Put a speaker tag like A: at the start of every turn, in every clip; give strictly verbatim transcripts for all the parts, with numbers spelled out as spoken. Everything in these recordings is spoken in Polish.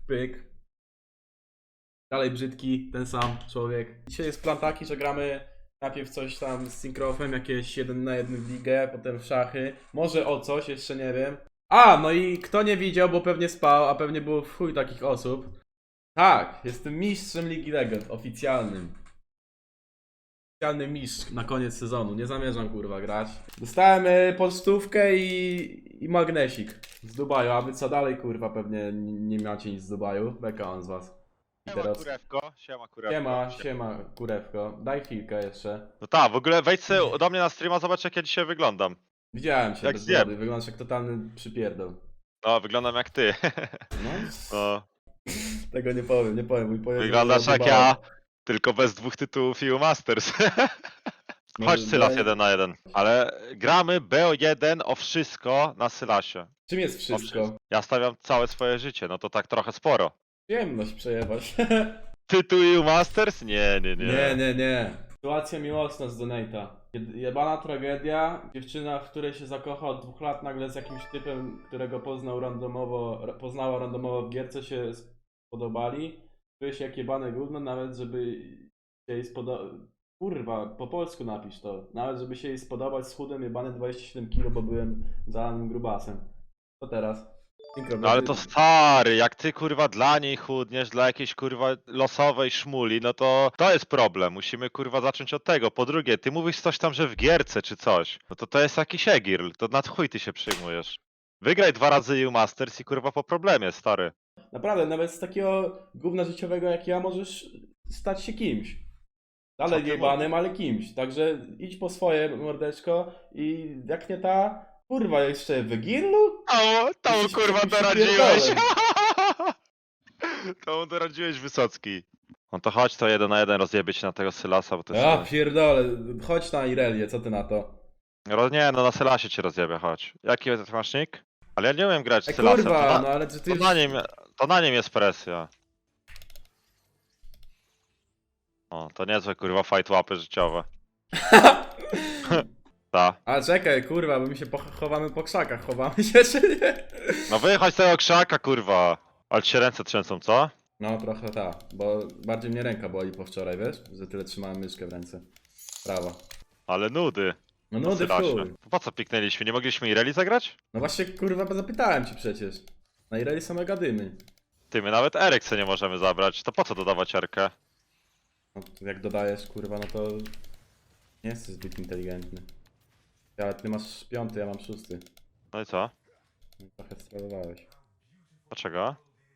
A: pyk. Dalej brzydki, ten sam człowiek. Dzisiaj jest plan taki, że gramy najpierw coś tam z Synkrofem, jakieś jeden na jeden w ligę, potem w szachy. Może o coś, jeszcze nie wiem. A, no i kto nie widział, bo pewnie spał, a pewnie było w chuj takich osób. Tak, jestem mistrzem Ligi Legend, oficjalnym. Oficjalny mistrz na koniec sezonu, nie zamierzam kurwa grać. Dostałem y, pocztówkę i, i magnesik z Dubaju, a wy co dalej kurwa, pewnie nie, nie macie nic z Dubaju. Beka on z was. I
B: Siema
A: teraz...
B: kurewko, siema kurewko.
A: Siema, siema kurewko, daj chwilkę jeszcze.
B: No tak, w ogóle wejdź sobie do mnie na streama, zobacz jak ja dzisiaj wyglądam.
A: Widziałem cię
B: Jak
A: bez
B: zjem.
A: wody, wyglądasz jak totalny przypierdol.
B: No, wyglądam jak ty.
A: No,
B: No,
A: tego nie powiem, nie powiem. Mój pojedzie
B: wyglądasz
A: do
B: jak
A: Dubaju.
B: ja, tylko bez dwóch tytułów U Masters. Chodź Sylas
A: daj-
B: jeden na jeden. Ale gramy B O jeden o wszystko na Sylasie.
A: Czym jest
B: O
A: wszystko?
B: Ja stawiam całe swoje życie, no to tak trochę sporo.
A: Przyjemność przejebać.
B: Tytuł U Masters? Nie, nie, nie.
A: Nie, nie, nie. Sytuacja miłosna z Donate'a. Jed- Jebana tragedia. Dziewczyna, w której się zakocha od dwóch lat, nagle z jakimś typem, którego poznał randomowo, ra- poznała randomowo w gierce, się spodobali. Czuje się jak jebane gówno, nawet żeby się jej spodobać. Kurwa, po polsku napisz to. Nawet żeby się jej spodobać z chudem jebany dwadzieścia siedem kilo, bo byłem zalanym grubasem. Co teraz? Synchro,
B: No ale to stary, jak ty kurwa dla niej chudniesz, dla jakiejś kurwa losowej szmuli, no to to jest problem. Musimy kurwa zacząć od tego. Po drugie, ty mówisz coś tam, że w gierce czy coś. No to to jest jakiś egirl, to na chuj ty się przyjmujesz. Wygraj dwa razy U Masters i kurwa po problemie, stary.
A: Naprawdę, nawet z takiego gówna życiowego jak ja możesz stać się kimś. Dalej
B: Co ty
A: jebanym, ale kimś. Także idź po swoje, mordeczko, i jak nie ta, kurwa, jeszcze w Girlu?
B: O, to
A: Jesteś
B: kurwa
A: jakimś
B: doradziłeś.
A: pierdolem.
B: To mu doradziłeś Wysocki. No to chodź to jeden na jeden rozjebie się na tego Sylasa, bo to jest...
A: Ja pierdolę, chodź na Irelię, co ty na to?
B: Ro- Nie, no na Sylasie cię rozjebie, chodź. Jaki ty masz nick? Ale ja nie umiem grać
A: E
B: z Sylasem, to
A: kurwa,
B: na,
A: no ale czy ty
B: to
A: już...
B: na nim, to na nim jest presja. O, to niezłe kurwa fight łapy życiowe. Ta.
A: A czekaj, kurwa, bo my się poch- chowamy po krzakach, chowamy się czy nie?
B: No wychodź z tego krzaka kurwa. Ale ci się ręce trzęsą, co?
A: No trochę ta, bo bardziej mnie ręka boli po wczoraj, wiesz? Że tyle trzymałem myszkę w ręce. Prawa.
B: Ale nudy.
A: No
B: Na
A: nudy w
B: Sylasie.
A: chuj.
B: Po co piknęliśmy? Nie mogliśmy Ireli zagrać?
A: No właśnie, kurwa, zapytałem ci przecież. Na Ireli są mega dymy.
B: Ty, my nawet Erykse nie możemy zabrać. To po co dodawać Erkę?
A: No, to jak dodajesz, kurwa, no to nie jesteś zbyt inteligentny. Ale ty masz piąty, ja mam szósty.
B: No i co?
A: No, trochę strolowałeś.
B: Dlaczego?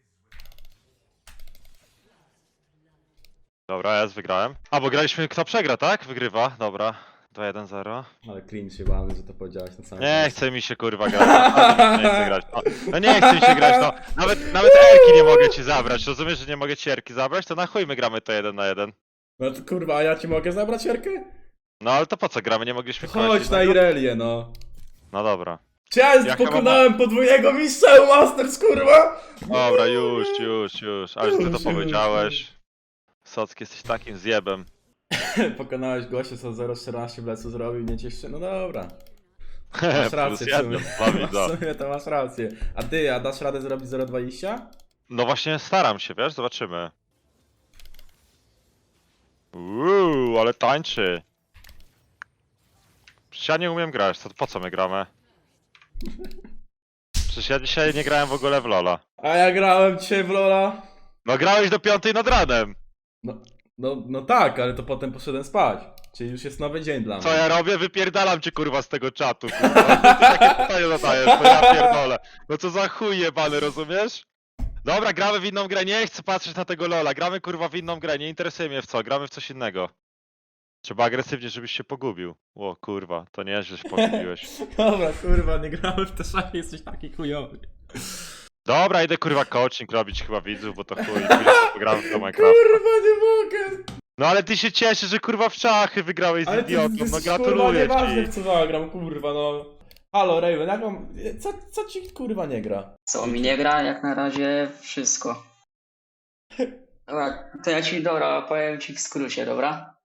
B: Dobra, jest, wygrałem. A, bo graliśmy kto przegra, tak? Wygrywa, dobra. dwa jeden zero.
A: Ale cringe się bany, że to powiedziałeś na samym
B: Nie
A: końcu.
B: chce mi się kurwa grać. No, nie chcę grać. No, no nie chce mi się grać, no. Nawet, nawet Erki nie mogę ci zabrać. Rozumiesz, że nie mogę ci Erki zabrać? To na chuj my gramy to jeden na jeden.
A: No to kurwa, a ja ci mogę zabrać Jarkę?
B: No ale to po co gramy? Nie mogliśmy kogoś
A: Chodź na
B: innego?
A: Irelię, no.
B: No dobra.
A: Czy ja
B: Jak ja
A: pokonałem podwójnego mistrza Masters, kurwa?
B: Dobra, już, już, już. Ale że ty
A: Już,
B: to
A: już,
B: powiedziałeś. Socki, jesteś takim zjebem.
A: Pokonałeś gościa, co zero czternaście w lecu zrobił, nie ciesz się, no dobra. Masz
B: Plus
A: rację w
B: jeden,
A: sumie.
B: dwa widza.
A: W sumie to masz rację. A ty, a dasz radę zrobić zero dwadzieścia?
B: No właśnie staram się, wiesz? Zobaczymy. Uuu, ale tańczy. Przecież ja nie umiem grać, to po co my gramy? Przecież ja dzisiaj nie grałem w ogóle w Lola.
A: A ja grałem dzisiaj w Lola.
B: No grałeś do piątej nad ranem.
A: No, no, no tak, ale to potem poszedłem spać. Czyli już jest nowy dzień dla mnie.
B: Co ja robię? Wypierdalam cię kurwa z tego czatu, kurwa. Ty takie pytanie zadajesz, to ja pierdolę. No co za chuj jebany, rozumiesz? Dobra, gramy w inną grę, nie chcę patrzeć na tego Lola. Gramy kurwa w inną grę, nie interesuje mnie w co, gramy w coś innego. Trzeba agresywnie, żebyś się pogubił. O kurwa, to nieźle się pogubiłeś.
A: Dobra, kurwa, nie grałem w te szachy, jesteś taki chujowy.
B: Dobra, idę kurwa coaching robić chyba widzów, bo to chuj, chwilę sobie pogram w to Minecraft.
A: Kurwa, nie mogę.
B: No ale ty się cieszysz, że kurwa w szachy wygrałeś z
A: Ale ty,
B: idiotą,
A: ty
B: no
A: jesteś, kurwa,
B: gratuluję
A: nieważne
B: ci.
A: w co zagram, kurwa, no. Halo, Raven, jak mam... Co, co ci, kurwa, nie gra?
C: Co mi nie gra? Jak na razie wszystko. Dobra, to ja ci, dobra, powiem ci w skrócie, dobra?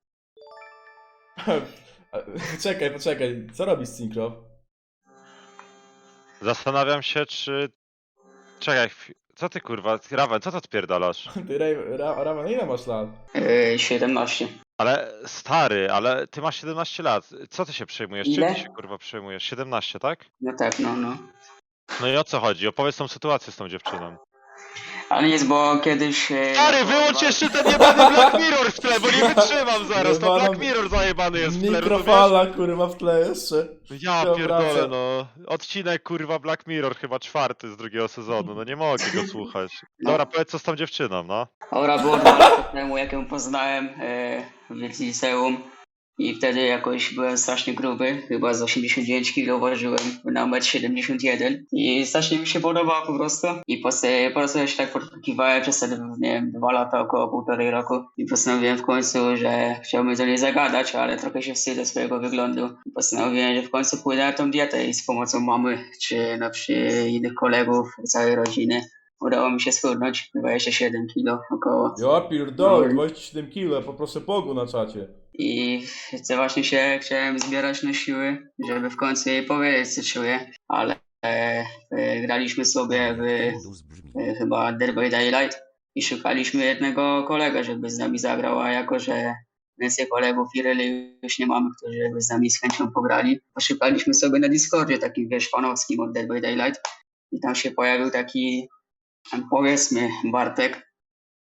A: Czekaj, poczekaj, co robisz, Synchro?
B: Zastanawiam się, czy... Czekaj, chwi- Co ty kurwa, Raven, co to odpierdalasz?
A: Ty, Ray, Ra, Raven, ile masz lat?
C: Yy, siedemnaście.
B: Ale stary, ale ty masz siedemnaście lat. Co ty się przejmujesz? Czym
C: Ile?
B: ty się kurwa przejmujesz? siedemnaście, tak?
C: No tak, no, no.
B: No i o co chodzi? Opowiedz tą sytuację z tą dziewczyną.
C: Ale nic, bo kiedyś... e,
B: Stary,
C: no,
B: wyłącz
C: dwa-
B: jeszcze ten jebany Black Mirror w tle, bo nie wytrzymam zaraz. To
A: Jebana-
B: Black Mirror zajebany jest w tle, rozumiesz?
A: Mikrofala, kurwa, w tle jeszcze.
B: Ja
A: się
B: pierdolę,
A: obraca.
B: no. Odcinek kurwa Black Mirror, chyba czwarty z drugiego sezonu. No nie mogę go słuchać. Dobra, powiedz co z tą dziewczyną, no.
C: Dobra, było dwa lata temu, jak ją poznałem e, w liceum. I wtedy jakoś byłem strasznie gruby, chyba z osiemdziesiąt dziewięć kilo ważyłem na metr siedemdziesiąt jeden i strasznie mi się podobało po prostu. I po, po prostu ja się tak podkiwałem przez te, nie wiem, dwa lata, około półtorej roku i postanowiłem w końcu, że chciałbym do niej zagadać, ale trochę się wstydzę swojego wyglądu. I postanowiłem, że w końcu pójdę na tą dietę i z pomocą mamy, czy na przykład innych kolegów, całej rodziny udało mi się schudnąć dwadzieścia siedem kilo około.
A: Ja pierdolę, dwadzieścia siedem kilo, poproszę Bogu na czacie.
C: I chcę właśnie się chciałem zbierać na siły, żeby w końcu jej powiedzieć, co czuję, ale e, e, graliśmy sobie w e, chyba Dead by Daylight i szukaliśmy jednego kolega, żeby z nami zagrał, a jako, że więcej kolegów i reli już nie mamy, którzy by z nami z chęcią pograli, poszukaliśmy sobie na Discordzie takim, wiesz, fanowskim od Dead by Daylight i tam się pojawił taki, powiedzmy, Bartek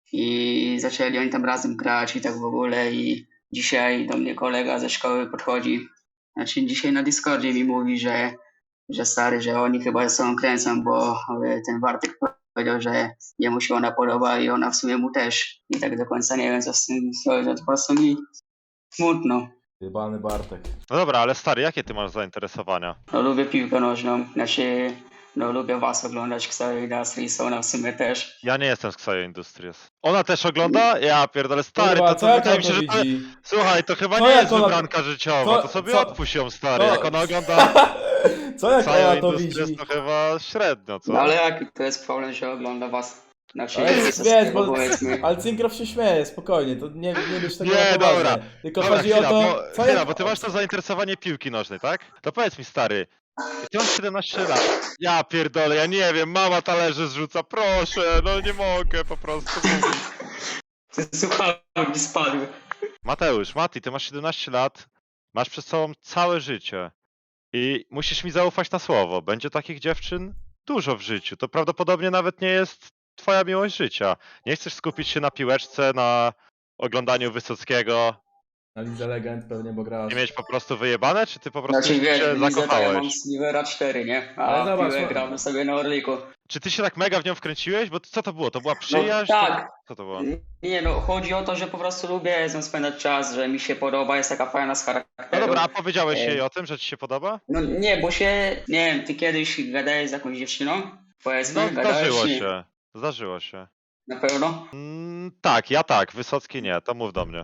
C: i zaczęli oni tam razem grać i tak w ogóle i dzisiaj do mnie kolega ze szkoły podchodzi, znaczy dzisiaj na Discordzie mi mówi, że, że stary, że oni chyba ze sobą kręcą, bo e, ten Bartek powiedział, że jemu się ona podoba i ona w sumie mu też. I tak do końca nie wiem co z tym zrobić, to po prostu mi smutno.
A: Jebany Bartek.
B: No dobra, ale stary, jakie ty masz zainteresowania?
C: No lubię piłkę nożną, znaczy no lubię was oglądać, Xavier Industries, ona w sumie też.
B: Ja nie jestem z Xayo Industries. Ona też ogląda? Ja pierdolę, stary,
A: Kurwa,
B: to,
A: co
B: to
A: jak
B: wydaje
A: on
B: mi się,
A: to
B: że to...
A: widzi?
B: Słuchaj, to chyba
A: Co
B: nie
A: jak
B: jest
A: ona-
B: wybranka życiowa,
A: co-
B: to sobie
A: co-
B: odpuść ją, stary.
A: co-
B: Jak ona ogląda
A: Co jak
B: Xayo
A: ona to
B: Industries,
A: widzi?
B: to chyba średnio, co?
C: No ale jaki to jest problem, że ogląda was? Znaczy,
A: Ale
C: jest
A: wiesz, bo,
C: powiedzmy.
A: ale Cinkrow się śmieje, spokojnie, to nie, nie bierz tego
B: Nie,
A: na poważnie.
B: dobra.
A: Tylko
B: Dobra,
A: chodzi
B: chwila,
A: o to,
B: bo,
A: co
B: chwila,
A: jak...
B: bo ty masz to zainteresowanie piłki nożnej, tak? To powiedz mi, stary, ty masz siedemnaście lat. Ja pierdolę, ja nie wiem, mama talerze zrzuca, proszę, no nie mogę po prostu mówić.
C: Słuchałem, mi spadły.
B: Mateusz, Mati, ty masz siedemnaście lat, masz przed sobą całe życie i musisz mi zaufać na słowo. Będzie takich dziewczyn dużo w życiu. To prawdopodobnie nawet nie jest twoja miłość życia. Nie chcesz skupić się na piłeczce, na oglądaniu Wysockiego,
A: Na Lidze Legend pewnie, bo grasz.
B: nie mieć po prostu wyjebane, czy ty po prostu
C: Znaczy wiesz,
B: się
C: w lidze to ja mam
B: zakochałeś?
C: Slivera cztery, nie? A
A: Ale zobacz,
C: piłę
A: no-
C: gramy sobie na Orliku.
B: Czy ty się tak mega w nią wkręciłeś? Bo co to było? To była
C: No,
B: przyjaźń?
C: tak.
B: Co to było?
C: Nie no, chodzi o to, że po prostu lubię z nią spędzać czas, że mi się podoba, jest taka fajna z charakteru.
B: No dobra, a powiedziałeś
C: Ej.
B: jej o tym, że ci się podoba?
C: No nie, bo się, nie wiem, ty kiedyś gadałeś z jakąś dziewczyną? Powiedzmy,
B: No
C: gadałeś,
B: zdarzyło
C: nie?
B: się. Zdarzyło się.
C: Na pewno?
B: Mm, tak, ja tak, Wysocki nie, to mów do mnie.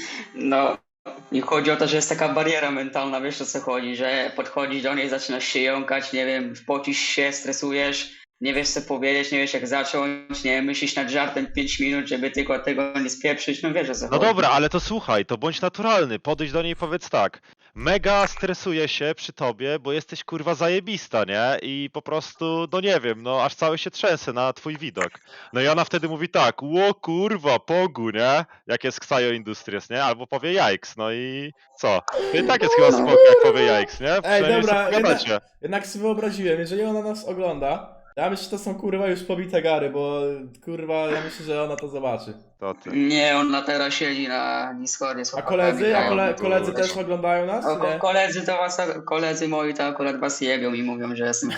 C: No, i chodzi o to, że jest taka bariera mentalna, wiesz o co chodzi, że podchodzisz do niej, zaczynasz się jąkać, nie wiem, pocisz się, stresujesz, nie wiesz co powiedzieć, nie wiesz jak zacząć, nie myślisz nad żartem pięć minut, żeby tylko tego nie spieprzyć, no wiesz o co
B: No
C: chodzi.
B: dobra, ale to słuchaj, to bądź naturalny, podejdź do niej i powiedz tak. Mega stresuję się przy tobie, bo jesteś kurwa zajebista, nie? I po prostu, no nie wiem, no aż cały się trzęsę na twój widok. No i ona wtedy mówi tak, ło kurwa, pogu, nie? Jak jest Xayo Industries, nie? Albo powie jajks, no i co? To i tak jest chyba spoko, jak powie jajks, nie? Przynajmniej
A: dobra,
B: sobie pogadacie.
A: Jednak sobie wyobraziłem, jeżeli ona nas ogląda, ja myślę, że to są kurwa już pobite gary, bo kurwa, ja myślę, że ona to zobaczy.
B: To ty.
C: Nie, ona teraz siedzi na Discordzie z
A: A
C: chłopakami,
A: koledzy? A
C: grają.
A: kole, koledzy też oglądają nas,
C: O,
A: czy
C: ko-
A: nie?
C: koledzy to was, koledzy moi to akurat was jebią i mówią, że jestem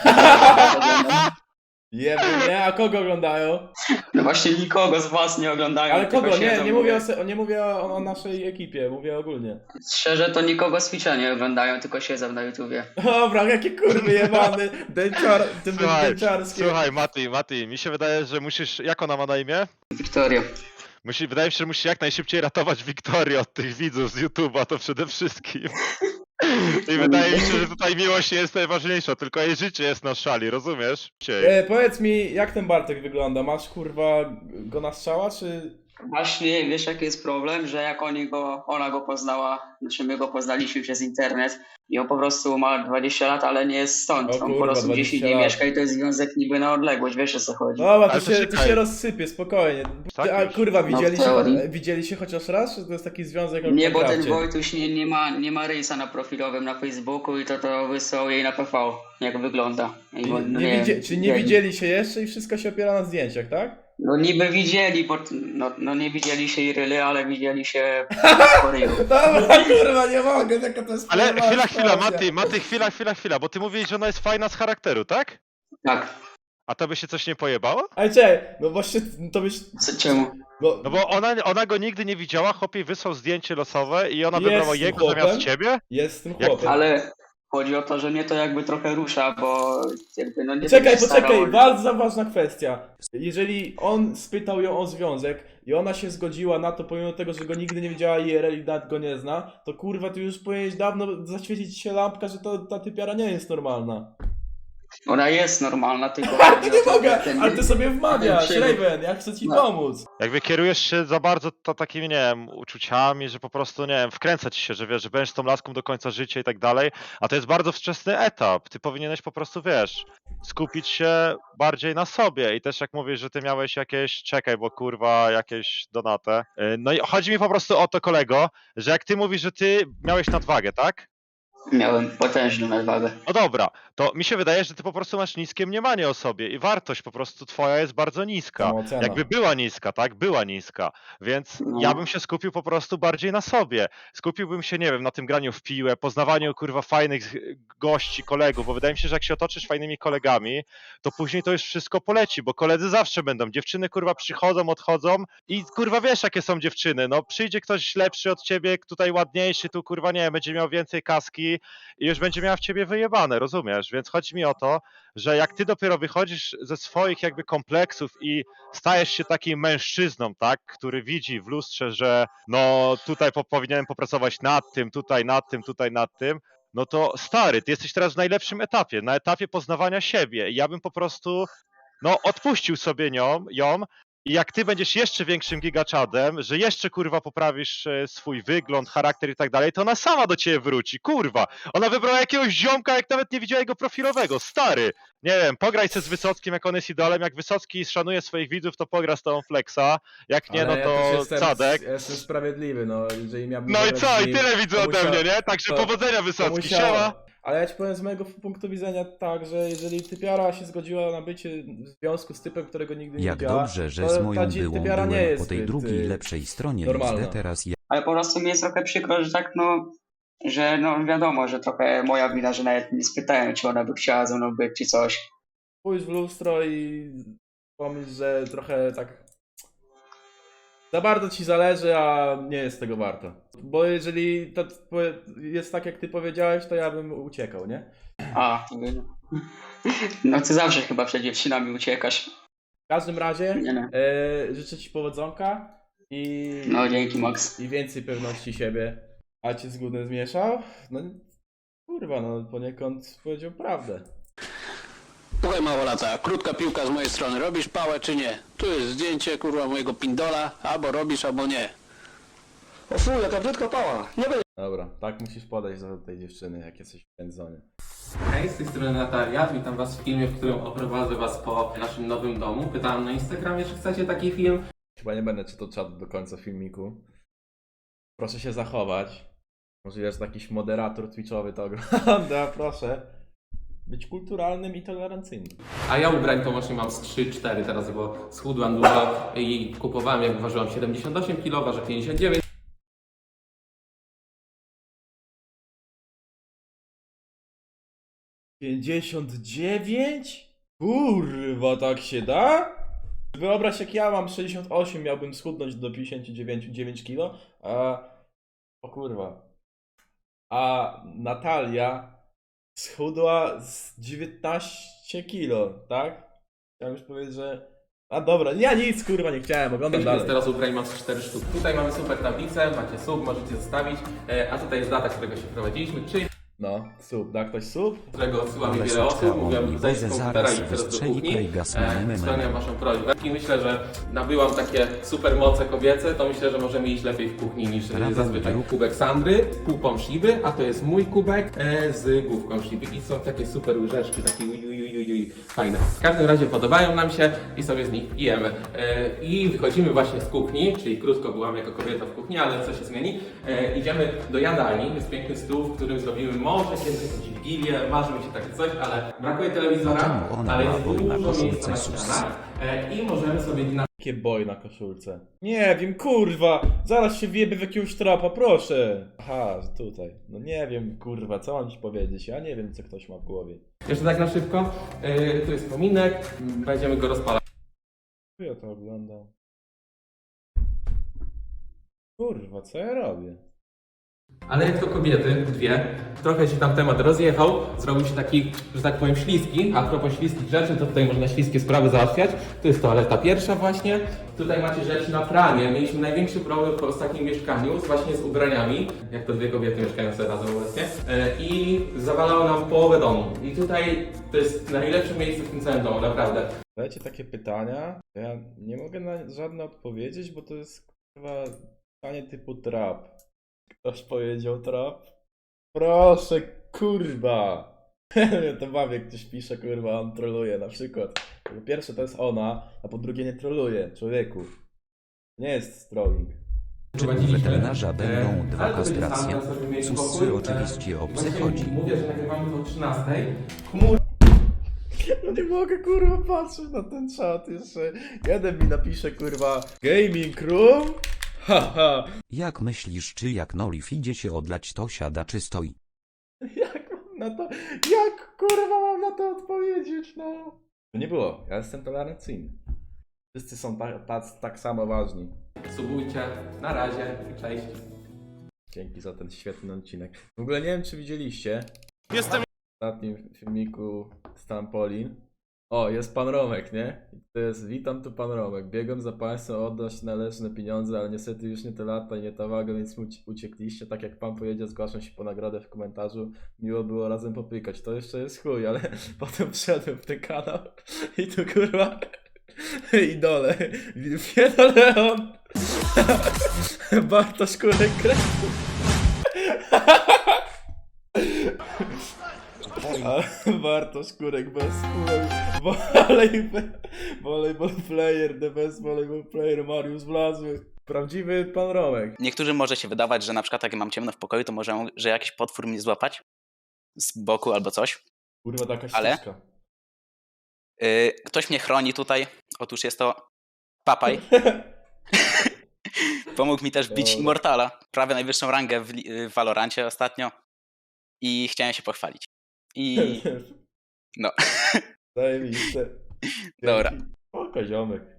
A: Jeby, nie? A kogo oglądają?
C: No właśnie nikogo z was nie oglądają.
A: Ale
C: tylko
A: kogo? Nie,
C: siedzą,
A: nie mówię o, se- nie mówię o, o naszej ekipie, mówię ogólnie.
C: Szczerze to nikogo z Twitcha nie oglądają, tylko siedzą na YouTubie.
A: Dobra, jakie kurwy jebany, dęciar, tym
B: Słuchaj,
A: dęciarskie.
B: słuchaj, Mati, Mati, mi się wydaje, że musisz, jak ona ma na imię?
C: Wiktoria.
B: Musi, wydaje mi się, że musisz jak najszybciej ratować Wiktorię od tych widzów z YouTube'a, to przede wszystkim. I wydaje mi się, że tutaj miłość nie jest najważniejsza, tylko jej życie jest na szali, rozumiesz? Ciej.
A: E, powiedz mi, jak ten Bartek wygląda? Masz kurwa go na strzała, czy...
C: Właśnie, wiesz jaki jest problem, że jak oni go, ona go poznała, znaczy my go poznaliśmy przez internet i on po prostu ma dwadzieścia lat, ale nie jest stąd.
A: O
C: On
A: kurwa,
C: po prostu gdzieś
A: dwadzieścia
C: indziej
A: lat.
C: mieszka i to jest związek niby na odległość, wiesz o co chodzi.
A: Dobra, to
B: Ale to
A: się, to
B: czekaj.
A: się rozsypie, spokojnie.
B: Tak
A: Ty, a
B: już?
A: kurwa,
C: No,
A: widzieli,
C: w
A: się,
C: teorii.
A: widzieli się chociaż raz? Czy to jest taki związek jak
C: Nie,
A: w
C: bo ten
A: Minecrafcie?
C: Wojtuś nie, nie, ma, nie ma rysa na profilowym na Facebooku i to to wysłał jej na P V, jak wygląda. I
A: Czyli
C: bo-
A: nie,
C: no nie
A: widzie,
C: wiem,
A: czyli nie widzieli się jeszcze i wszystko się opiera na zdjęciach, tak?
C: No niby widzieli, bo, no, no nie widzieli się i ryly, ale widzieli się po ryju.
A: Dobra, kurwa, nie mogę, jaka to jest
B: Ale
A: pojebana
B: chwila, chwila,
A: sytuacja.
B: Mati, Mati, chwila, chwila, chwila, bo ty mówisz, że ona jest fajna z charakteru, tak?
C: Tak,
B: A to by się coś nie pojebało?
A: Ale czekaj, no właśnie to byś...
C: co, czemu?
A: No,
B: No bo ona, ona go nigdy nie widziała, chłopie wysłał zdjęcie losowe i ona
A: Jest
B: wybrała
A: tym
B: jego
A: chłopem.
B: zamiast ciebie?
A: jest z tym
B: Jak-
A: chłopem.
C: Ale chodzi o to, że mnie to jakby trochę rusza, bo jakby no nie
A: Czekaj,
C: będę się
A: poczekaj,
C: starał-
A: bardzo ważna kwestia. Jeżeli on spytał ją o związek i ona się zgodziła na to, pomimo tego, że go nigdy nie widziała I R L i nawet go nie zna, to kurwa, tu już powinieneś dawno zaświecić się lampka, że to, ta typiara nie jest normalna.
C: Ona jest normalna, tylko
A: Ja
C: chodzi
A: nie
C: o to,
A: mogę,
C: że ten-
A: ale ty sobie wmawiasz,
C: ten przygód-
A: Raven, ja chcę ci
C: No.
A: pomóc.
B: Jakby kierujesz się za bardzo to takimi, nie wiem, uczuciami, że po prostu, nie wiem, wkręca ci się, że wiesz, że będziesz z tą laską do końca życia i tak dalej, a to jest bardzo wczesny etap. Ty powinieneś po prostu, wiesz, skupić się bardziej na sobie i też jak mówisz, że ty miałeś jakieś, czekaj, bo kurwa, jakieś donate. Yy, No i chodzi mi po prostu o to, kolego, że jak ty mówisz, że ty miałeś nadwagę, tak?
C: Miałem potężną nadwagę.
B: No dobra, to mi się wydaje, że ty po prostu masz niskie mniemanie o sobie i wartość po prostu twoja jest bardzo niska.
A: Samoocena.
B: Jakby była niska, tak? Była niska. Więc
C: No.
B: ja bym się skupił po prostu bardziej na sobie. Skupiłbym się, nie wiem, na tym graniu w piłę, poznawaniu kurwa fajnych gości, kolegów, bo wydaje mi się, że jak się otoczysz fajnymi kolegami, to później to już wszystko poleci, bo koledzy zawsze będą. Dziewczyny kurwa przychodzą, odchodzą i kurwa wiesz jakie są dziewczyny. No przyjdzie ktoś lepszy od ciebie, tutaj ładniejszy, tu kurwa nie wiem, będzie miał więcej kaski i już będzie miała w ciebie wyjebane, rozumiesz? Więc chodzi mi o to, że jak ty dopiero wychodzisz ze swoich jakby kompleksów i stajesz się takim mężczyzną, tak, który widzi w lustrze, że no tutaj po, powinienem popracować nad tym, tutaj nad tym, tutaj nad tym, no to stary, ty jesteś teraz w najlepszym etapie, na etapie poznawania siebie i ja bym po prostu no odpuścił sobie nią, ją i jak ty będziesz jeszcze większym gigaczadem, że jeszcze kurwa poprawisz e, swój wygląd, charakter i tak dalej, to ona sama do ciebie wróci, kurwa. Ona wybrała jakiegoś ziomka, jak nawet nie widziała jego profilowego, stary. Nie wiem, pograj se z Wysockim, jak on jest idolem, jak Wysocki szanuje swoich widzów, to pogra z tobą Flexa, jak nie,
A: Ale
B: no
A: ja
B: to
A: też jestem,
B: Cadek.
A: ja jestem sprawiedliwy, no, jeżeli miałbym...
B: No i
A: zagrać
B: co,
A: z
B: i
A: nim,
B: tyle widzę
A: to
B: ode
A: musiał-
B: mnie, nie? Także
A: to-
B: powodzenia
A: to
B: Wysocki,
A: musiało.
B: siema.
A: Ale ja ci powiem z mojego punktu widzenia tak, że jeżeli typiara się zgodziła na bycie w związku z typem, którego nigdy nie
D: Jak
A: widziała,
D: dobrze, że
A: to
D: z
A: ta
D: moją
A: dzi-
D: byłą
A: typiara nie
D: byłem
A: jest
D: po tej
A: zbyt,
D: drugiej
A: y,
D: lepszej stronie
A: normalna.
D: X D, teraz ja
C: Ale po prostu mi jest trochę przykro, że tak no, że no wiadomo, że trochę moja wina, że nawet nie spytałem, czy ona by chciała ze mną być, czy coś.
A: Pójdź w lustro i pomyśl, że trochę tak za bardzo ci zależy, a nie jest tego warto. Bo jeżeli to jest tak, jak ty powiedziałeś, to ja bym uciekał, nie?
C: A, no ty zawsze chyba przed dziewczynami uciekasz.
A: W każdym razie
C: Nie, nie.
A: e, życzę ci powodzonka i,
C: No dzięki Max.
A: i więcej pewności siebie. A cię zgódny zmieszał? No kurwa, no poniekąd powiedział prawdę.
E: Słuchaj małolata, krótka piłka z mojej strony. Robisz pałę czy nie? Tu jest zdjęcie kurwa mojego pindola. Albo robisz, albo nie.
F: O fuj, jaka brzydka pała. Nie będę.
A: Dobra, tak musisz podejść do tej dziewczyny, jak jesteś w pędzonie.
G: Hej, z tej strony Natalia, witam was w filmie, w którym oprowadzę was po naszym nowym domu. Pytałem na Instagramie, czy chcecie taki film.
A: Chyba nie będę czytał czatu do końca filmiku. Proszę się zachować. Może jest jakiś moderator twitchowy to ogląda, proszę. Być kulturalnym i tolerancyjnym.
G: A ja ubrań to właśnie mam z trzy cztery teraz, bo schudłam dużo i kupowałem jak ważyłam siedemdziesiąt osiem kilo, ważę pięćdziesiąt dziewięć.
A: pięćdziesiąt dziewięć? Kurwa, tak się da? Wyobraź, jak ja mam sześćdziesiąt osiem, miałbym schudnąć do pięćdziesiąt dziewięć kilo, a... O kurwa. A Natalia schudła z dziewiętnaście kilo, tak? Chciałem już powiedzieć, że... A dobra, ja nic kurwa nie chciałem, oglądam
G: Więc
A: dalej.
G: teraz ubrań mam z cztery sztuki. Tutaj mamy super tablicę, macie sub, możecie zostawić, e, a tutaj jest data, którego się prowadziliśmy, czyli
A: No, sub, da ktoś sub?
G: którego odsyła mi
D: Ale
G: wiele osób,
D: spotkał
G: mówią
D: on
G: mi zejść z
D: Wozę
G: komputera
D: zaraz
G: i teraz do
D: wystrzeli
G: kuchni.
D: Krejga z
G: E,
D: memem.
G: Spełniam waszą prośbę. I myślę, że nabyłam takie super moce kobiece, to myślę, że możemy iść lepiej w kuchni niż e,
D: Prawda,
G: zazwyczaj.
D: druk.
G: Kubek Sandry, półpą Shiby, a to jest mój kubek e, z główką Shiby. I są takie super łyżeczki, takie uj, uj, uj, uj, fajne. W każdym razie podobają nam się i sobie z nich jemy. E, I wychodzimy właśnie z kuchni, czyli krótko byłam jako kobieta w kuchni, ale co się zmieni. E, idziemy do jadalni, jest piękny stół, w którym zrobimy może kiedyś jakąś wigilię, marzy mi się takie coś, ale brakuje telewizora,
D: Czemu ona
G: ale
D: ma
G: jest
D: boj na
G: dużo miejsca
D: koszulce
G: na
D: sus?
G: ścianach e, i możemy sobie na
A: Jakie boj na koszulce? Nie wiem, kurwa! Zaraz się wjebie w jakiegoś trapa, proszę! Aha, że tutaj. No nie wiem, kurwa, co mam ci powiedzieć? Ja nie wiem, co ktoś ma w głowie.
G: Jeszcze tak na szybko, e, tu jest kominek, m, będziemy go rozpalać.
A: Ja to oglądam. Kurwa, co ja robię?
G: Ale jak to kobiety, dwie, trochę się tam temat rozjechał, zrobił się taki, że tak powiem, śliski. A propos śliskich rzeczy, to tutaj można śliskie sprawy załatwiać. Tu jest toaleta pierwsza właśnie. Tutaj macie rzeczy na pranie. Mieliśmy największy problem w ostatnim mieszkaniu z właśnie z ubraniami, jak to dwie kobiety mieszkają sobie razem obecnie. E, I zawalało nam połowę domu. I tutaj to jest najlepsze miejsce w tym całym domu, naprawdę.
A: Dajcie takie pytania. Ja nie mogę na żadne odpowiedzieć, bo to jest kurwa pytanie typu trap. Ktoś powiedział trap? Proszę, kurwa! Ja to bawię, jak ktoś pisze, kurwa, on troluje na przykład. Po pierwsze to jest ona, a po drugie nie troluje, człowieku. Nie jest trolling.
D: Czy u weterynarza będą dwa
G: ale to będzie sam,
D: kastracje?
G: tam sobie mieli
D: Susy
G: pokój.
D: oczywiście o psy
G: Właśnie
D: chodzi.
G: Mówię, że nagrywamy do trzynastej. Chmur
A: No nie mogę, kurwa, patrzeć na ten czat jeszcze. Jeden mi napisze, kurwa, gaming room? Haha.
D: Jak myślisz, czy jak Nolif idzie się odlać, to siada czy stoi?
A: Jak mam na to, jak kurwa mam na to odpowiedzieć, no? To nie było, ja jestem tolerancyjny. Wszyscy są tak, tak, tak samo ważni.
G: subujcie. Na razie. Cześć.
A: Dzięki za ten świetny odcinek. W ogóle nie wiem, czy widzieliście.
B: Jestem...
A: W ostatnim filmiku z Trampolin. O, jest pan Romek, nie? I to jest, witam tu pan Romek. Biegłem za państwem oddać należne pieniądze, ale niestety już nie te lata i nie ta waga, więc uci- uciekliście. Tak jak pan powiedział, zgłaszam się po nagrodę w komentarzu. Miło było razem popykać. To jeszcze jest chuj, ale potem wszedłem w ten kanał i tu kurwa idole. Wieno Leon. Bartosz Kurek Kresu. Ale Bartosz Kurek bez wpływu. Volleyball, volleyball player, the best volleyball player, Mariusz Wlazły. Prawdziwy pan Romek.
H: Niektórym może się wydawać, że na przykład jak mam ciemno w pokoju, to może, że jakiś potwór mnie złapać z boku albo coś.
A: Kurwa, to jakaś
H: Ale?
A: ścieżka.
H: Yy, ktoś mnie chroni tutaj. Otóż jest to Papaj. Pomógł mi też bić
A: Dobra.
H: Immortala. Prawie najwyższą rangę w, li- w Valorancie ostatnio. I chciałem się pochwalić. I no.
A: Zajebiste.
H: Dobra.
A: Spoko, ziomek.